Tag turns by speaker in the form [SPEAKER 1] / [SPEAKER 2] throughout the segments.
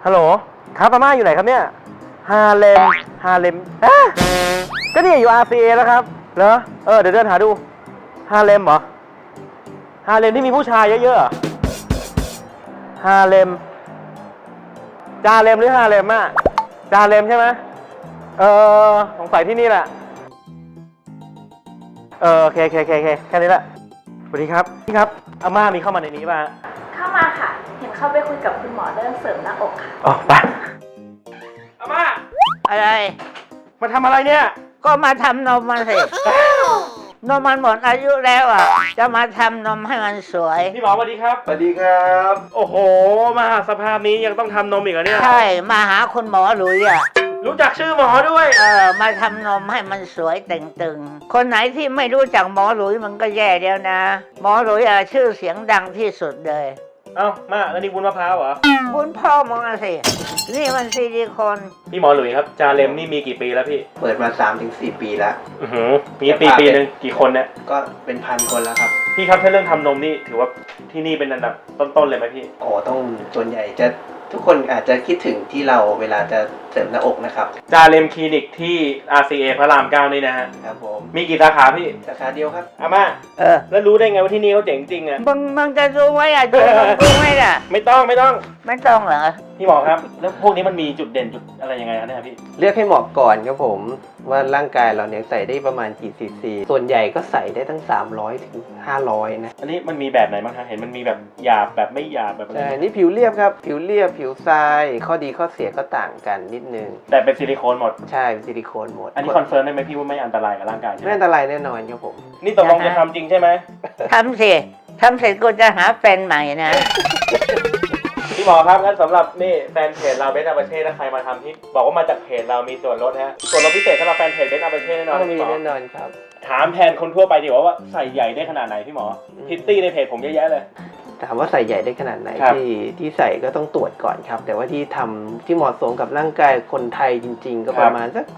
[SPEAKER 1] ฮัลโหลครับอาม่าอยู่ไหนครับเนี่ยฮาเลมก็นี่อยู่ RCA แล้วครับเหรอเดี๋ยวเดินหาดูฮาเลมเหรอฮาเลมที่มีผู้ชายเยอะๆฮาเลมจาเลมหรือฮาเลมอะจาเลมใช่ไหมสงสัยที่นี่แหละโอเคแค่นี้แหละสวัสดีครับพี่ครับอาม่ามีเข้ามาในนี้ป่ะ
[SPEAKER 2] เข้ามาค่ะ เห็นเข้าไปคุยกับคุณหมอเรื่องเสริมหน้าอกค่ะ
[SPEAKER 1] อ๋อไปอาม่า
[SPEAKER 3] อะไร
[SPEAKER 1] มาทำอะไรเนี่ย
[SPEAKER 3] ก็มาทำนมมันสิ นมมันหมดอายุแล้วอ่ะ จะมาทำนมให้มันสวย
[SPEAKER 1] พี่หมอสวัสดีครับ
[SPEAKER 4] สวัสดีครับ
[SPEAKER 1] โอ้โหมาสภาพนี้ยังต้องทำนมอีกเหรอเนี่ย
[SPEAKER 3] ใช่ มาหาคุณหมอหลุยอ่ะ
[SPEAKER 1] รู้จักชื่อหมอด้วย
[SPEAKER 3] มาทำนมให้มันสวยเต่งตึง คนไหนที่ไม่รู้จักหมอหลุยมันก็แย่แล้วนะ หมอหลุยชื่อเสียงดังที่สุดเลย
[SPEAKER 1] เอ้ามาแล้วนี่วุ้นมะพร้าวเหรอ
[SPEAKER 3] บุญพ่อมึงอะสิ นี่มันซิลิโคน
[SPEAKER 1] พี่หมอหลุยครับจาเลมนี่มีกี่ปีแล้วพี่
[SPEAKER 4] เปิดมา 3-4 ปีแล้ว
[SPEAKER 1] มีปีหนึ่งกี่คนเนี่ย
[SPEAKER 4] ก็เป็นพันคนแล้วครับ
[SPEAKER 1] พี่ครับถ้าเรื่องทำนมนี่ถือว่าที่นี่เป็นอันดับต้นๆเลยไหมพี่
[SPEAKER 4] โอ้ต้องส่วนใหญ่จะทุกคนอาจจะคิดถึงที่เราเวลาจะเสริมหน้าอกนะครับ
[SPEAKER 1] จาเลมคลินิกที่ RCA พระราม 9นี่นะฮะ
[SPEAKER 4] ครับผม
[SPEAKER 1] มีกี่สาขาพี่
[SPEAKER 4] สาขาเดียวครับ
[SPEAKER 1] อาม่า แล้วรู้ได้ไงว่าที่นี่เขาเจ๋งจริงอ่ะ
[SPEAKER 3] มึงจะรู้ไว้อ่ะดูมึงรู้ไหมล่ะ
[SPEAKER 1] ไม่ต้อง
[SPEAKER 3] ไม่ต้องเหรอ
[SPEAKER 1] พี่หมอครับ แล้วพวกนี้มันมีจุดเด่นจุดอะไรยังไงครับเนี่ยพี่
[SPEAKER 4] เลือกให้เหมาะก่อนครับผมว่าร่างกายเราเนี่ยใส่ได้ประมาณกี่ซีซีส่วนใหญ่ก็ใส่ได้ตั้ง300 ถึง 500นะ
[SPEAKER 1] อันนี้มันมีแบบไหนบ้างคะเห็นมันมีแบบหยาบแบบไม่หยาบแบบอะไร
[SPEAKER 4] ใช่นี่ผิวเรียบครับผิวเรียบผิวทรายข้อดีข้อเสียก็ต่างกันนิดนึง
[SPEAKER 1] แต่เป็นซิลิโคนหมด
[SPEAKER 4] ใช่เป็นซิลิโคนหมด
[SPEAKER 1] อันนี้คอนเฟิร์มได้ไหมพี่ว่าไม่อันตรายกับร่างกายใช่ไหม
[SPEAKER 4] ไม่อันตรายแน่นอนครับผม
[SPEAKER 1] นี่ตกลงจะทำจริงใช่ไหม
[SPEAKER 3] ทำสิทำเสร็จกูจะหาแฟนใหม่นะ
[SPEAKER 1] พี่หมอครับงั้นสำหรับนี่แฟนเพจเราเบสอาเบเช่ถ้าใครมาทำที่บอกว่ามาจากเพจเรามีส่วนลดฮะส่วนลดพิเศษสำหรับแฟนเพจเบสอาเบเช่แน่นอน
[SPEAKER 4] ต้องมี
[SPEAKER 1] พี่หมอ
[SPEAKER 4] แน่นอนครับ
[SPEAKER 1] ถามแทนคนทั่วไปดีกว่าว่าใส่ใหญ่ได้ขนาดไหนพี่หมอพิตตี้ในเพจผมเยอะแยะเลย
[SPEAKER 4] ถามว่าใส่ใหญ่ได้ขนาดไหน
[SPEAKER 1] ครับ
[SPEAKER 4] ที่ใส่ก็ต้องตรวจก่อนครับ แต่ว่าที่ทำที่เหมาะสมกับร่างกายคนไทยจริง ๆ ก็ประมาณสัก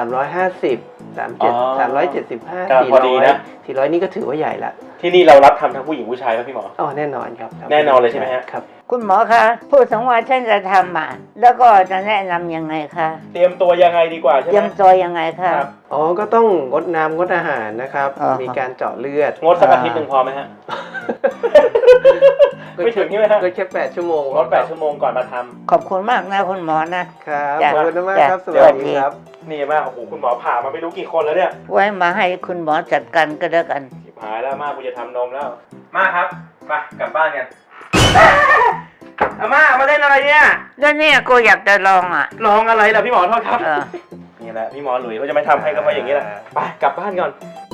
[SPEAKER 4] 350 375
[SPEAKER 1] ก็พอดีนะ
[SPEAKER 4] 400นี่ก็ถือว่าใหญ่ละ
[SPEAKER 1] ที่นี่เรารับทำทั้งผู้หญิงผู้ชายไหมพี่หมอ
[SPEAKER 4] อ๋อแน่นอนครับ
[SPEAKER 1] แน่นอนเลยใช่ไหมฮะ
[SPEAKER 4] ครับ
[SPEAKER 3] คุณหมอคะพูดถึงว่าฉันจะทำอ่ะแล้วก็จะแนะนำยังไงคะ
[SPEAKER 1] เตรียมตัวยังไงดีกว่าใช่
[SPEAKER 3] เต
[SPEAKER 1] ไห
[SPEAKER 3] รี
[SPEAKER 1] ม
[SPEAKER 3] ยมตัวยังไงคะ
[SPEAKER 1] ครับ
[SPEAKER 4] อ๋อก็ต้องงดน้ำงดอาหารนะครับ
[SPEAKER 3] อ่าฮะ
[SPEAKER 4] มีการเจาะเลือด
[SPEAKER 1] งดสักอาทิตย์หนึ่งพอไหมฮะ ไม่ถึงใช่ไหมฮะ
[SPEAKER 4] ก็แค่8 ชั่วโมง
[SPEAKER 1] งด8 ชั่วโมงก่อนมาท
[SPEAKER 3] ขอบคุณมากนะคุณหมอนะครับ
[SPEAKER 4] ขอบคุณมากครับ
[SPEAKER 3] จ้ะ
[SPEAKER 4] สวัสดีครับ
[SPEAKER 1] ำนี่มากโอ้โหคุณหมอผ่ามาไม่รู้กี่คนแล้วเนี่ย
[SPEAKER 3] ไว้มาให้คุณหมอจัดการก็แล้วกัน
[SPEAKER 1] ชิบหายแล้วมากกูจะทำนมแล้วมาครับไปกลับบ้านกันอาม่ามาเล่นอะไรเนี่ย
[SPEAKER 3] แล้วเนี่ยกูอยากจะลองอ่ะ
[SPEAKER 1] ลองอะไรล่ะพี่หมอโทษครับ
[SPEAKER 3] เออ
[SPEAKER 1] นี่แหละพี่หมอหลุยเขาจะไม่ทำให้ก็เพราะอย่างนี้แหละไปกลับบ้านก่อน